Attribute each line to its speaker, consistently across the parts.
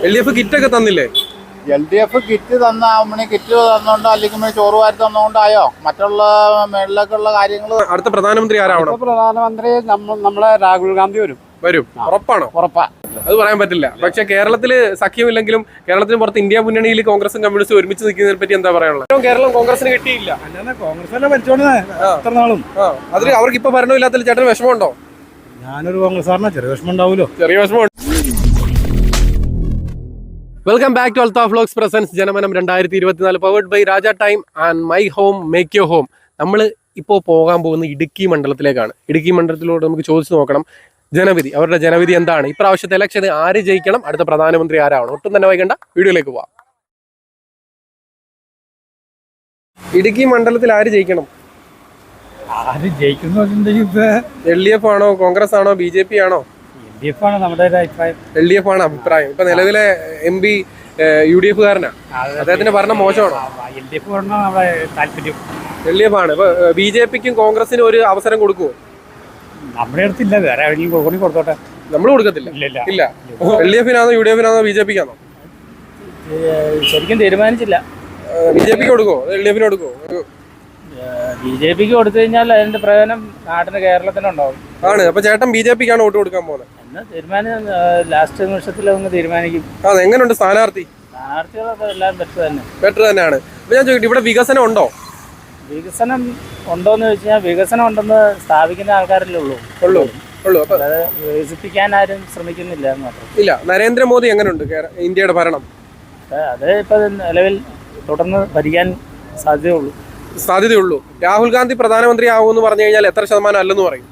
Speaker 1: LDF കിറ്റൊക്കെ തന്നില്ലേ?
Speaker 2: LDF kit kit തന്നോണ്ടോ അല്ലെങ്കിൽ ചോറ് വാരി തന്നോണ്ടായോ? മറ്റുള്ള മേളിലേക്കുള്ള കാര്യങ്ങൾ
Speaker 1: അടുത്ത പ്രധാനമന്ത്രി ആരാവണം?
Speaker 2: പ്രധാനമന്ത്രി നമ്മളെ രാഹുൽ ഗാന്ധി വരും.
Speaker 1: ഉറപ്പാണോ?
Speaker 2: ഉറപ്പാ.
Speaker 1: അത് പറയാൻ പറ്റില്ല. പക്ഷെ കേരളത്തില് സഖ്യമില്ലെങ്കിലും കേരളത്തിന് പുറത്ത് ഇന്ത്യ മുന്നണിയിൽ കോൺഗ്രസും കമ്മ്യൂണിസ്റ്റും ഒരുമിച്ച് നിൽക്കുന്നതിനെ പറ്റി എന്താ പറയാനുള്ളത്? കേരളം കോൺഗ്രസിന് കിട്ടിയില്ല. അതിൽ അവർക്ക് ഇപ്പൊ ഭരണമില്ലാത്ത ചേട്ടന് വിഷമമുണ്ടോ?
Speaker 2: ഞാനൊരു കോൺഗ്രസ്സാരനാ, ചെറിയ വിഷമം ഉണ്ടാവുമല്ലോ.
Speaker 1: ചെറിയ വിഷമമുണ്ട്. Welcome back to Althaf vlogs presents Janamanam 2024 powered by Raja time and my home make your home. നമ്മൾ ഇപ്പോൾ പോകാൻ പോകുന്ന ഇടുക്കി മണ്ഡലത്തിലേക്കാണ്. ഇടുക്കി മണ്ഡലത്തിലൂടെ നമുക്ക് ചോദിച്ചു നോക്കണം ജനവിധി, അവരുടെ ജനവിധി എന്താണ്, ഇപ്രാവശ്യത്തെ ഇലക്ഷന് ആര് ജയിക്കണം, അടുത്ത പ്രധാനമന്ത്രി ആരാവണം. ഒട്ടും തന്നെ വൈകണ്ട, വീഡിയോയിലേക്ക് പോവാം. ഇടുക്കി മണ്ഡലത്തിൽ ആര് ജയിക്കണം?
Speaker 2: ആര് ജയിക്കുന്നു?
Speaker 1: LDF ആണോ, കോൺഗ്രസ് ആണോ, BJP ആണോ?
Speaker 2: LDF ആണ് നമ്മുടെ അഭിപ്രായം.
Speaker 1: LDF ആണ് അഭിപ്രായം. ഇപ്പൊ നിലവിലെ MP UDF കാരനാ, അദ്ദേഹത്തിന്റെ ഭരണം മോശമാണോ? LDF ആണ്. ഇപ്പൊ BJPക്കും കോൺഗ്രസിനും ഒരു അവസരം കൊടുക്കുവോ?
Speaker 2: നമ്മുടെ അടുത്തില്ല, വേറെ എവിടെയെങ്കിലും കൊടുത്തോട്ടെ.
Speaker 1: നമ്മൾ കൊടുക്കത്തില്ല. ഇല്ല. LDF-നാണോ UDF-നാണോ BJP-ക്കാണോ?
Speaker 2: ശരിക്കും തീരുമാനിച്ചില്ല.
Speaker 1: BJP-ക്ക് കൊടുക്കുവോ, LDF-ന് കൊടുക്കുവോ?
Speaker 2: BJP-ക്ക് കൊടുത്തു കഴിഞ്ഞാൽ അതിന്റെ പ്രയോജനം നാട്ടിന് കേരളത്തിനുണ്ടാവും. ആണ്.
Speaker 1: അപ്പൊ ചേട്ടൻ BJP-ക്കാണ് വോട്ട് കൊടുക്കാൻ പോകുന്നത്?
Speaker 2: തീരുമാനം ലാസ്റ്റ് നിമിഷത്തിൽ ഒന്ന് തീരുമാനിക്കും.
Speaker 1: എങ്ങനെയുണ്ട് സ്ഥാനാർത്ഥി?
Speaker 2: സ്ഥാനാർത്ഥികളൊക്കെ എല്ലാം
Speaker 1: ബെറ്റർ തന്നെയാണ്. അപ്പൊ ഞാൻ ചോദിക്കട്ടെ, ഇവിടെ വികസനം ഉണ്ടോ?
Speaker 2: വികസനം ഉണ്ടോന്ന് ചോദിച്ചു കഴിഞ്ഞാൽ വികസനം ഉണ്ടെന്ന് സ്ഥാപിക്കുന്ന ആൾക്കാരല്ലേ ഉള്ളൂ.
Speaker 1: അപ്പൊ
Speaker 2: വികസിപ്പിക്കാൻ ആരും ശ്രമിക്കുന്നില്ല എന്ന് മാത്രം.
Speaker 1: ഇല്ല. നരേന്ദ്രമോദി എങ്ങനെയുണ്ട് ഇന്ത്യയുടെ ഭരണം?
Speaker 2: അത് ഇപ്പൊ നിലവിൽ തുടർന്ന് ഭരിക്കാൻ
Speaker 1: സാധ്യതയുള്ളൂ. രാഹുൽ ഗാന്ധി പ്രധാനമന്ത്രി ആവുമെന്ന് പറഞ്ഞു കഴിഞ്ഞാൽ എത്ര ശതമാനം അല്ലെന്ന് പറയും?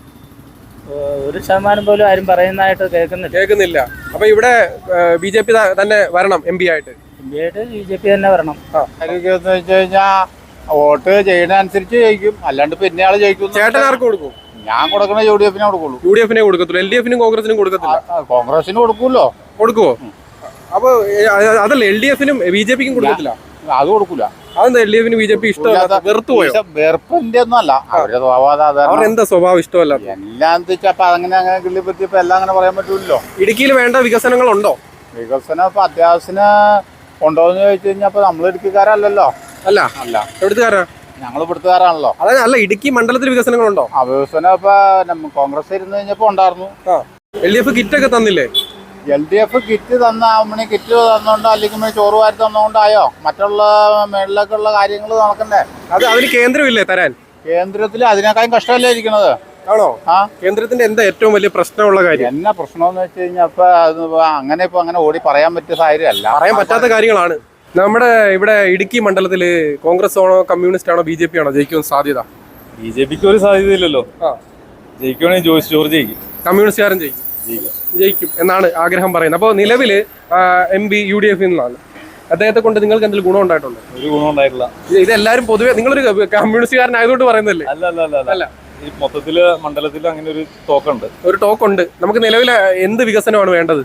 Speaker 2: 1% പോലും ആരും പറയുന്നതായിട്ട്
Speaker 1: കേൾക്കുന്നില്ല. അപ്പൊ ഇവിടെ BJP തന്നെ വരണം MP ആയിട്ട്?
Speaker 2: BJP തന്നെ വരണം.
Speaker 3: വെച്ച് കഴിഞ്ഞാൽ വോട്ട് ചെയ്യുന്ന അനുസരിച്ച് ജയിക്കും, അല്ലാണ്ട് പിന്നെ ആള് ജയിക്കും.
Speaker 1: ചേട്ടൻ ആർക്ക് കൊടുക്കും?
Speaker 3: ഞാൻ കൊടുക്കണ UDF-നെ കൊടുക്കുള്ളൂ.
Speaker 1: UDF-നെ കൊടുക്കത്തുള്ളൂ. LDF-നും കോൺഗ്രസിനും കൊടുക്കത്തില്ല?
Speaker 3: കോൺഗ്രസിന് കൊടുക്കൂല്ലോ.
Speaker 1: കൊടുക്കുവോ? അപ്പൊ അതല്ല, LDF-നും BJP-ക്കും കൊടുക്കത്തില്ല?
Speaker 3: അത് കൊടുക്കൂല.
Speaker 1: അതെന്താ LDF-ന് BJP ഇഷ്ടമല്ല? വെറുത്തു പോയോ?
Speaker 3: വെറുപ്പിന്റെ ഒന്നും അല്ല, അവരുടെ സ്വഭാവം.
Speaker 1: അവരെന്താ സ്വഭാവം ഇഷ്ടമല്ല?
Speaker 3: എല്ലാം വെച്ചാൽ അങ്ങനെ കിള്ളി പറ്റിയപ്പോ എല്ലാം അങ്ങനെ പറയാൻ പറ്റൂല്ലോ.
Speaker 1: ഇടുക്കിയിൽ വേണ്ട വികസനങ്ങൾ ഉണ്ടോ?
Speaker 3: വികസനം ഇപ്പൊ അത്യാവശ്യത്തിന് ഉണ്ടോന്ന് ചോദിച്ചു കഴിഞ്ഞാൽ ഇപ്പൊ നമ്മൾ ഇടുക്കിക്കാരല്ലോ.
Speaker 1: അല്ല. എവിടുത്തുകാരാ?
Speaker 3: ഞങ്ങൾ ഇവിടുത്തുകാരാണല്ലോ.
Speaker 1: അല്ല, ഇടുക്കി മണ്ഡലത്തിൽ വികസനങ്ങളുണ്ടോ?
Speaker 3: വികസനം ഇപ്പൊ കോൺഗ്രസ് ഇരുന്ന് കഴിഞ്ഞപ്പോ ഉണ്ടായിരുന്നു.
Speaker 1: LDF കിറ്റൊക്കെ തന്നില്ലേ?
Speaker 3: LDF കിറ്റ് കിറ്റ് തന്നോണ്ടോ അല്ലെങ്കിൽ ചോറ് വാരി തന്നോണ്ടായോ? മറ്റുള്ള മേളിലേക്കുള്ള കാര്യങ്ങൾ നടക്കണ്ടേ?
Speaker 1: അതിന് കേന്ദ്രമില്ലേ തരാൻ?
Speaker 3: കേന്ദ്രത്തിൽ അതിനേക്കാളും കഷ്ടമല്ലേ ഇരിക്കണത്?
Speaker 1: ആണോ? കേന്ദ്രത്തിന്റെ എന്താ ഏറ്റവും വലിയ പ്രശ്നമുള്ള കാര്യം?
Speaker 3: എന്നാ പ്രശ്നമെന്ന് വെച്ച് കഴിഞ്ഞാൽ ഇപ്പൊ അങ്ങനെ ഓടി പറയാൻ പറ്റിയ സാഹചര്യമല്ല,
Speaker 1: പറയാൻ പറ്റാത്ത കാര്യങ്ങളാണ്. നമ്മുടെ ഇവിടെ ഇടുക്കി മണ്ഡലത്തില് കോൺഗ്രസ് ആണോ കമ്മ്യൂണിസ്റ്റ് ആണോ BJP ആണോ ജയിക്കുമെന്ന് സാധ്യത?
Speaker 4: BJPക്ക് ഒരു സാധ്യതയില്ലല്ലോ. ജയിക്കുകയാണെങ്കിൽ ജോർജ് ജയിക്കും.
Speaker 1: കമ്മ്യൂണിസ്റ്റുകാരൻ ജയിക്കും എന്നാണ് ആഗ്രഹം പറയുന്നത്. അപ്പോൾ നിലവില് MP UDF നിന്നാണ്. അദ്ദേഹത്തെ കൊണ്ട് നിങ്ങൾക്ക് എന്തെങ്കിലും ഗുണം ഉണ്ടായിട്ടുണ്ടോ?
Speaker 4: ഒരു ഗുണം ഉണ്ടായിട്ടില്ല.
Speaker 1: ഇതെല്ലാരും പൊതുവെ നിങ്ങളൊരു കമ്മ്യൂണിസ്റ്റുകാരനായതുകൊണ്ട് പറയുന്നല്ലേ?
Speaker 4: അല്ല, ഈ മൊത്തത്തില് മണ്ഡലത്തിൽ അങ്ങനെ ഒരു
Speaker 1: ടോക്കുണ്ട്. നമുക്ക് നിലവിൽ എന്ത് വികസനമാണ് വേണ്ടത്?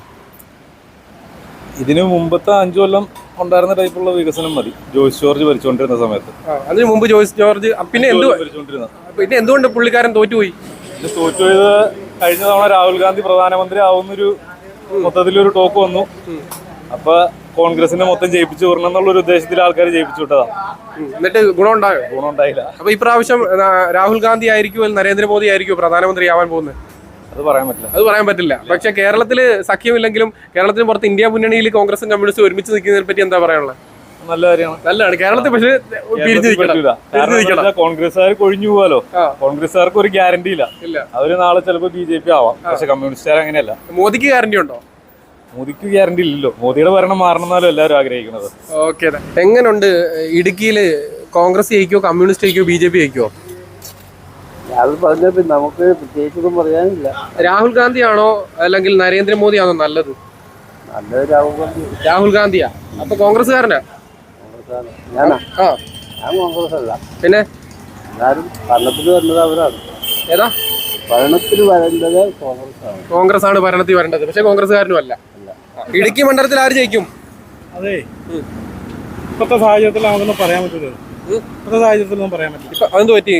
Speaker 4: ഇതിനു മുമ്പത്തെ 5 കൊല്ലം ഉണ്ടായിരുന്ന ടൈപ്പുള്ള വികസനം മതി, ജോർജ് ഭരിച്ചുകൊണ്ടിരുന്ന സമയത്ത്.
Speaker 1: അതിനു മുമ്പ് ജോർജ് പിന്നെ എന്തുകൊണ്ട് പുള്ളിക്കാരൻ തോറ്റുപോയി?
Speaker 4: തോറ്റുപോയത് കഴിഞ്ഞ തവണ രാഹുൽ ഗാന്ധി പ്രധാനമന്ത്രി ആവുന്നൊരു മൊത്തത്തിലൊരു ടോക്ക് വന്നു. അപ്പൊ കോൺഗ്രസിനെ മൊത്തം ജയിപ്പിച്ചു വിടണം എന്നുള്ള ഉദ്ദേശത്തിൽ ആൾക്കാർ ജയിപ്പിച്ചു വിട്ടതാ.
Speaker 1: എന്നിട്ട് ഗുണം ഉണ്ടായില്ല. അപ്പൊ ഇപ്രാവശ്യം രാഹുൽ ഗാന്ധി ആയിരിക്കും നരേന്ദ്രമോദി ആയിരിക്കും പ്രധാനമന്ത്രി ആവാൻ പോകുന്നത്?
Speaker 4: അത് പറയാൻ പറ്റില്ല.
Speaker 1: പക്ഷെ കേരളത്തില് സഖ്യമില്ലെങ്കിലും കേരളത്തിന് പുറത്ത് ഇന്ത്യ മുന്നണിയിൽ കോൺഗ്രസും കമ്മ്യൂണിസ്റ്റും ഒരുമിച്ച് നിൽക്കുന്നതിനെ പറ്റി എന്താ പറയാനുള്ളത്?
Speaker 4: നല്ല കാര്യമാണ്.
Speaker 1: നല്ലതാണ്. കേരളത്തിൽ പക്ഷേ
Speaker 4: കോൺഗ്രസ്സുകാർ കൊഴിഞ്ഞു പോവാലോ. കോൺഗ്രസ്സുകാർക്ക് ഒരു ഗ്യാരണ്ടി ഇല്ല. അവര് നാളെ ചിലപ്പോ BJP ആവാം, പക്ഷെ കമ്മ്യൂണിസ്റ്റുകാർ അങ്ങനെയല്ല.
Speaker 1: മോദിക്ക് ഗ്യാരണ്ടി ഉണ്ടോ?
Speaker 4: മോദിക്ക് ഗ്യാരണ്ടി ഇല്ലല്ലോ. മോദിയുടെ ഭരണം മാറണമെന്നാലും എല്ലാവരും ആഗ്രഹിക്കുന്നത്.
Speaker 1: ഓക്കെ. എങ്ങനെയുണ്ട് ഇടുക്കിയില്? കോൺഗ്രസ് ജയിക്കോ, കമ്മ്യൂണിസ്റ്റ് ജയിക്കോ, BJP ജയിക്കോ?
Speaker 2: നമുക്ക് പ്രത്യേകിച്ചൊന്നും പറയാനില്ല.
Speaker 1: രാഹുൽ ഗാന്ധി ആണോ അല്ലെങ്കിൽ നരേന്ദ്രമോദി ആണോ നല്ലത്? രാഹുൽ ഗാന്ധിയാ. അപ്പൊ കോൺഗ്രസ്സുകാരനാ?
Speaker 2: ഞാൻ കോൺഗ്രസ് അല്ല.
Speaker 1: പിന്നെ
Speaker 2: ഭരണത്തിൽ വരുന്നത് അവരാണ്.
Speaker 1: ഏതാ
Speaker 2: ഭരണത്തിൽ വരേണ്ടത്?
Speaker 1: കോൺഗ്രസ് ആണ് ഭരണത്തിൽ വരേണ്ടത്, പക്ഷെ കോൺഗ്രസ്സുകാരനും അല്ല. ഇടുക്കി മണ്ഡലത്തിൽ ആര് ജയിക്കും?
Speaker 5: അതെ, ഇപ്പോഴത്തെ സാഹചര്യത്തിൽ നമുക്കൊന്നും പറയാൻ പറ്റില്ല.
Speaker 1: അതെന്ത് പറ്റി?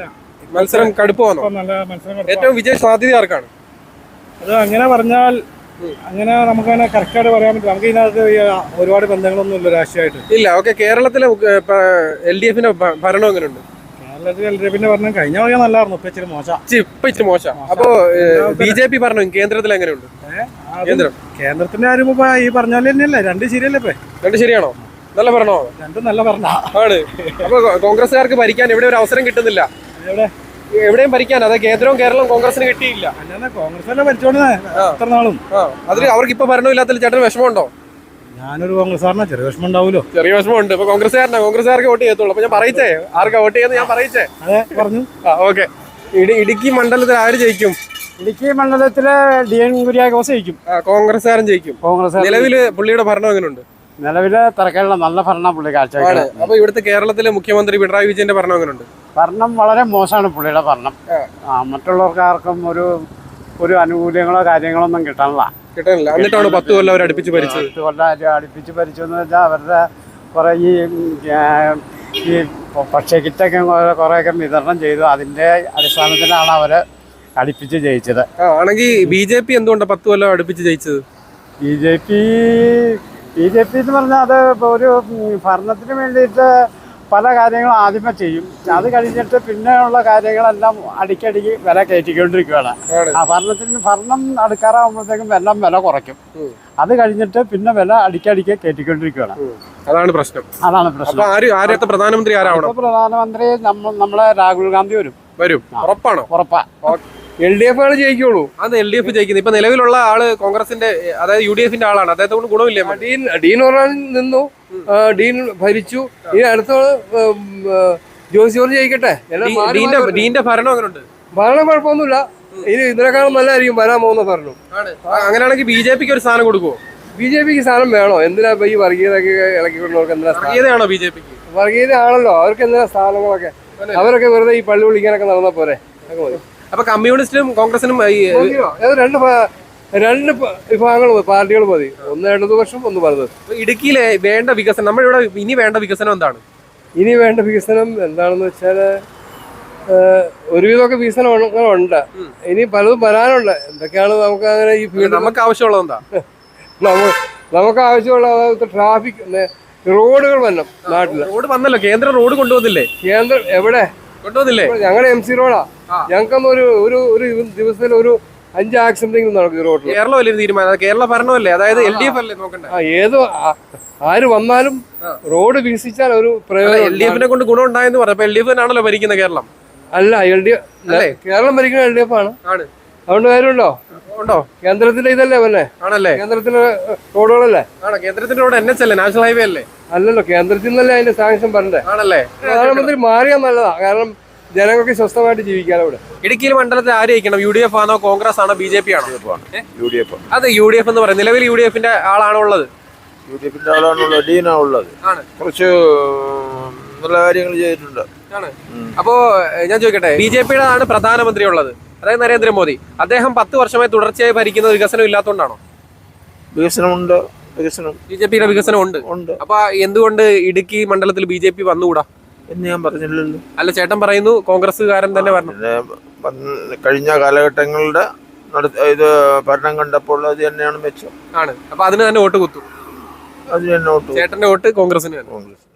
Speaker 1: മത്സരം കടുപ്പമാണോ? ഏറ്റവും വിജയ സാധ്യത ആർക്കാണ്?
Speaker 5: അത് അങ്ങനെ പറഞ്ഞാൽ അങ്ങനെ നമുക്ക് അങ്ങനെ കറക്റ്റായിട്ട് പറയാൻ പറ്റില്ല. നമുക്ക് ഇതിനകത്ത് ഒരുപാട് ബന്ധങ്ങളൊന്നും ഇല്ല രാഷ്ട്രീയമായിട്ട്.
Speaker 1: ഇല്ല. ഓക്കെ, കേരളത്തിലെ LDFന്റെ ഭരണം എങ്ങനെയുണ്ട്?
Speaker 5: കേരളത്തിൽ LDFന്റെ ഭരണം കഴിഞ്ഞ വഴിയാ നല്ലായിരുന്നു, ഇപ്പൊ ഇച്ചിരി മോശം.
Speaker 1: ഇപ്പൊ ഇച്ചിരി മോശം. അപ്പോ BJP ഭരണം കേന്ദ്രത്തിൽ എങ്ങനെയുണ്ട്?
Speaker 5: കേന്ദ്രത്തിന്റെ കാര്യം ഇപ്പൊ ഈ പറഞ്ഞ പോലെ തന്നെയല്ലേ, രണ്ടും ശരിയല്ലേ ഇപ്പൊ?
Speaker 1: രണ്ട് ശരിയാണോ? നല്ല ഭരണോ?
Speaker 5: രണ്ടും നല്ല ഭരണ
Speaker 1: ആണ്. അപ്പൊ കോൺഗ്രസ്സുകാർക്ക് ഭരിക്കാൻ എവിടെ ഒരു അവസരം കിട്ടുന്നില്ല. എവിടെയും ഭരിക്കാൻ, അതായത് കേന്ദ്രവും കേരളവും കോൺഗ്രസിന് കിട്ടിയില്ല.
Speaker 5: അല്ലാതെ കോൺഗ്രസ് അല്ലേ ഭരിച്ചോണ്ട് എത്ര നാളും.
Speaker 1: അതിൽ അവർക്ക് ഇപ്പൊ ഭരണമില്ലാത്തതിൽ ചേട്ടന് വിഷമമുണ്ടോ?
Speaker 5: ഞാനൊരു കോൺഗ്രസ്സുകാരനാ, ചെറിയ വിഷമം ഉണ്ടാവുമല്ലോ.
Speaker 1: ചെറിയ വിഷമമുണ്ട്. ഇപ്പൊ കോൺഗ്രസ്സുകാർക്ക് വോട്ട് ചെയ്യത്തുള്ളൂ. അപ്പൊ ഞാൻ പറയിച്ചേ, ആർക്കാ വോട്ട് ചെയ്യുന്നത് ഞാൻ പറയിച്ചേ.
Speaker 5: അതെ, പറഞ്ഞു.
Speaker 1: ഓക്കെ. ഇടുക്കി മണ്ഡലത്തിൽ ആര് ജയിക്കും?
Speaker 5: ഇടുക്കി മണ്ഡലത്തില് DN കുര്യാക്കോസ് ജയിക്കും.
Speaker 1: കോൺഗ്രസ്സുകാരൻ ജയിക്കും. നിലവില് പുള്ളിയുടെ ഭരണം എങ്ങനെയുണ്ട്?
Speaker 5: നിലവിലെ തിരക്കുള്ള നല്ല ഭരണം പുള്ളി കാഴ്ചവെക്കുന്നത്.
Speaker 1: അപ്പൊ ഇവിടുത്തെ കേരളത്തിലെ മുഖ്യമന്ത്രി പിണറായി വിജയന്റെ ഭരണം എങ്ങനെയുണ്ട്?
Speaker 5: ഭരണം വളരെ മോശമാണ് പുള്ളിയുടെ ഭരണം. മറ്റുള്ളവർക്ക് ആർക്കും ഒരു അനുകൂല്യങ്ങളോ കാര്യങ്ങളോ ഒന്നും കിട്ടാനില്ല.
Speaker 1: എന്നിട്ടാണ് 10 കൊല്ലം അവർ അടുപ്പിച്ച് ഭരിച്ചത്.
Speaker 5: 10 കൊല്ലം അടുപ്പിച്ച് ഭരിച്ചു എന്ന് വെച്ചാൽ അവരുടെ കുറെ ഈ ഭക്ഷ്യക്കിറ്റൊക്കെ കുറേയൊക്കെ വിതരണം ചെയ്തു. അതിന്റെ അടിസ്ഥാനത്തിലാണ് അവര് അടുപ്പിച്ച് ജയിച്ചത്.
Speaker 1: ആണെങ്കിൽ BJP എന്തുകൊണ്ടാണ് 10 കൊല്ലം അടുപ്പിച്ച് ജയിച്ചത്?
Speaker 5: BJP എന്ന് പറഞ്ഞാൽ അത് ഒരു ഭരണത്തിന് വേണ്ടിയിട്ട് പല കാര്യങ്ങളും ആദ്യമേ ചെയ്യും. അത് കഴിഞ്ഞിട്ട് പിന്നെയുള്ള കാര്യങ്ങളെല്ലാം അടിക്കടിക്ക് വില കയറ്റിക്കൊണ്ടിരിക്കുകയാണ്. ഭരണം അടുക്കാറാകുമ്പോഴത്തേക്കും എല്ലാം വില കുറയ്ക്കും. അത് കഴിഞ്ഞിട്ട് പിന്നെ വില അടിക്കടിക്ക് കയറ്റിക്കൊണ്ടിരിക്കുകയാണ്.
Speaker 1: അതാണ് പ്രശ്നം.
Speaker 5: പ്രധാനമന്ത്രി പ്രധാനമന്ത്രി നമ്മളെ രാഹുൽ ഗാന്ധി വരും.
Speaker 1: ഉറപ്പാണോ?
Speaker 5: ഉറപ്പാ.
Speaker 1: LDF ജയിക്കുള്ളൂ. അത് LDF ജയിക്കുന്നത്. ഇപ്പൊ നിലവിലുള്ള ആള് കോൺഗ്രസിന്റെ, അതായത് UDFന്റെ ആളാണ്. അദ്ദേഹത്തെ കൊണ്ട് ഗുണമില്ലേ?
Speaker 6: ഡീൻ ഒരാൾ നിന്നു, ഡീൻ ഭരിച്ചു. ഇനി അടുത്ത ജോസ് ജോർജ് ജയിക്കട്ടെ.
Speaker 1: ഡീന്റെ ഭരണം എങ്ങനെയുണ്ട്?
Speaker 6: ഭരണം കുഴപ്പമൊന്നുമില്ല. ഇനി ഇതിനേക്കാളും നല്ലതായിരിക്കും വരാൻ പോകുന്ന ഭരണം.
Speaker 1: അങ്ങനെയാണെങ്കിൽ BJPക്ക് ഒരു സ്ഥാനം കൊടുക്കുവോ?
Speaker 6: BJPക്ക് സ്ഥാനം വേണോ? എന്തിനാ ഈ വർഗീയതയൊക്കെ ഇളക്കിക്കൊണ്ടവർക്ക് എന്തിനാ?
Speaker 1: വർഗീയതയാണോ BJPക്ക്?
Speaker 6: വർഗീയത ആണല്ലോ, അവർക്ക് എന്തിനാ സ്ഥാനങ്ങളൊക്കെ? അവരൊക്കെ വെറുതെ ഈ പള്ളി വിളിക്കാനൊക്കെ നടന്ന പോരെ.
Speaker 1: അപ്പൊ കമ്മ്യൂണിസ്റ്റിനും കോൺഗ്രസിനും
Speaker 6: രണ്ട് വിഭാഗങ്ങൾ പാർട്ടികൾ മതി. ഒന്ന് ഇടതുപക്ഷം, ഒന്ന് വലത്.
Speaker 1: ഇടുക്കിയിലെ വേണ്ട വികസനം, നമ്മളിവിടെ ഇനി വേണ്ട വികസനം എന്താണ്?
Speaker 6: ഇനി വേണ്ട വികസനം എന്താണെന്ന് വെച്ചാല് ഒരുവിധമൊക്കെ വികസനങ്ങളുണ്ട്. ഇനി പലതും വരാനുണ്ട്. എന്തൊക്കെയാണ് നമുക്ക് അങ്ങനെ ഈ ഫീൽഡ്
Speaker 1: നമുക്ക് ആവശ്യമുള്ളത് എന്താ?
Speaker 6: നമുക്ക് ആവശ്യമുള്ള ട്രാഫിക്, റോഡുകൾ വരണം നാട്ടില്.
Speaker 1: റോഡ് വന്നല്ലോ, കേന്ദ്രം റോഡ് കൊണ്ടുവന്നില്ലേ?
Speaker 6: കേന്ദ്രം എവിടെ
Speaker 1: കൊണ്ടുവന്നില്ലേ?
Speaker 6: ഞങ്ങളുടെ MC റോഡാ. ഞങ്ങൾക്കൊന്നും ഒരു ദിവസത്തിൽ ഒരു 5 ആക്സിഡന്റ് നടക്കും ഈ റോഡിൽ.
Speaker 1: കേരളം അല്ലേ തീരുമാനം? കേരള ഭരണമല്ലേ, അതായത് LDF അല്ലേ നോക്കണ്ടേ?
Speaker 6: ആര് വന്നാലും റോഡ് വികസിച്ചാൽ ഒരു പ്രയോജനം.
Speaker 1: LDFനെ കൊണ്ട് ഗുണം ഉണ്ടായെന്ന് പറഞ്ഞു. അപ്പൊ LDF ആണല്ലോ ഭരിക്കുന്ന കേരളം.
Speaker 6: അല്ല, കേരളം ഭരിക്കുന്ന LDF ആണ്. അതുകൊണ്ട് കാര്യമുണ്ടോ?
Speaker 1: ഉണ്ടോ?
Speaker 6: കേന്ദ്രത്തിന്റെ ഇതല്ലേ വന്നെ?
Speaker 1: ആണല്ലേ?
Speaker 6: കേന്ദ്രത്തിന്റെ റോഡുകളല്ലേ?
Speaker 1: ആണോ? കേന്ദ്രത്തിന്റെ റോഡ് NH അല്ലേ, നാഷണൽ ഹൈവേ അല്ലേ?
Speaker 6: അല്ലല്ലോ, കേന്ദ്രത്തിൽ നിന്നല്ലേ അതിന്റെ സാങ്ഷൻ പറഞ്ഞേ.
Speaker 1: ആണല്ലേ?
Speaker 6: പ്രധാനമന്ത്രി മാറിയാൽ നല്ലതാ. കാരണം ജനങ്ങൾക്ക് സ്വസ്ഥമായിട്ട് ജീവിക്കാനോ ഇവിടെ.
Speaker 1: ഇടുക്കിയിൽ മണ്ഡലത്തിൽ ആര് ജയിക്കണം? UDF ആണോ, കോൺഗ്രസ് ആണോ, BJP ആണോ?
Speaker 3: UDF.
Speaker 1: അത് UDF എന്ന് പറയും. നിലവിൽ UDFന്റെ ആളാണോ ഉള്ളത്?
Speaker 3: UDFന്റെ ആളാണുള്ളത്, ഡീനാ ഉള്ളത്. കുറച്ച് നല്ല കാര്യങ്ങൾ ചെയ്തിട്ടുണ്ട്.
Speaker 1: അപ്പോ ഞാൻ ചോദിക്കട്ടെ, BJPയുടെ ആണ് പ്രധാനമന്ത്രി ഉള്ളത്, അതായത് നരേന്ദ്രമോദി. അദ്ദേഹം 10 വർഷമായി തുടർച്ചയായി ഭരിക്കുന്നത് വികസനം ഇല്ലാത്തതുകൊണ്ടാണോ?
Speaker 3: വികസനമുണ്ട്.
Speaker 1: BJPയുടെ വികസനം ഉണ്ട്. അപ്പൊ എന്തുകൊണ്ട് ഇടുക്കി മണ്ഡലത്തിൽ BJP വന്നുകൂടാ
Speaker 3: എന്ന് ഞാൻ പറഞ്ഞില്ലല്ലോ.
Speaker 1: അല്ല, ചേട്ടൻ പറയുന്നു കോൺഗ്രസ്സുകാരൻ തന്നെ വരണം.
Speaker 3: കഴിഞ്ഞ കാലഘട്ടങ്ങളുടെ ഇത് ഭരണം കണ്ടപ്പോൾ അത് തന്നെയാണ് മെച്ചം.
Speaker 1: അപ്പൊ അതിന് തന്നെ വോട്ട് കുത്തും.
Speaker 3: അതിന് തന്നെ വോട്ട്.
Speaker 1: ചേട്ടന്റെ വോട്ട് കോൺഗ്രസിന്.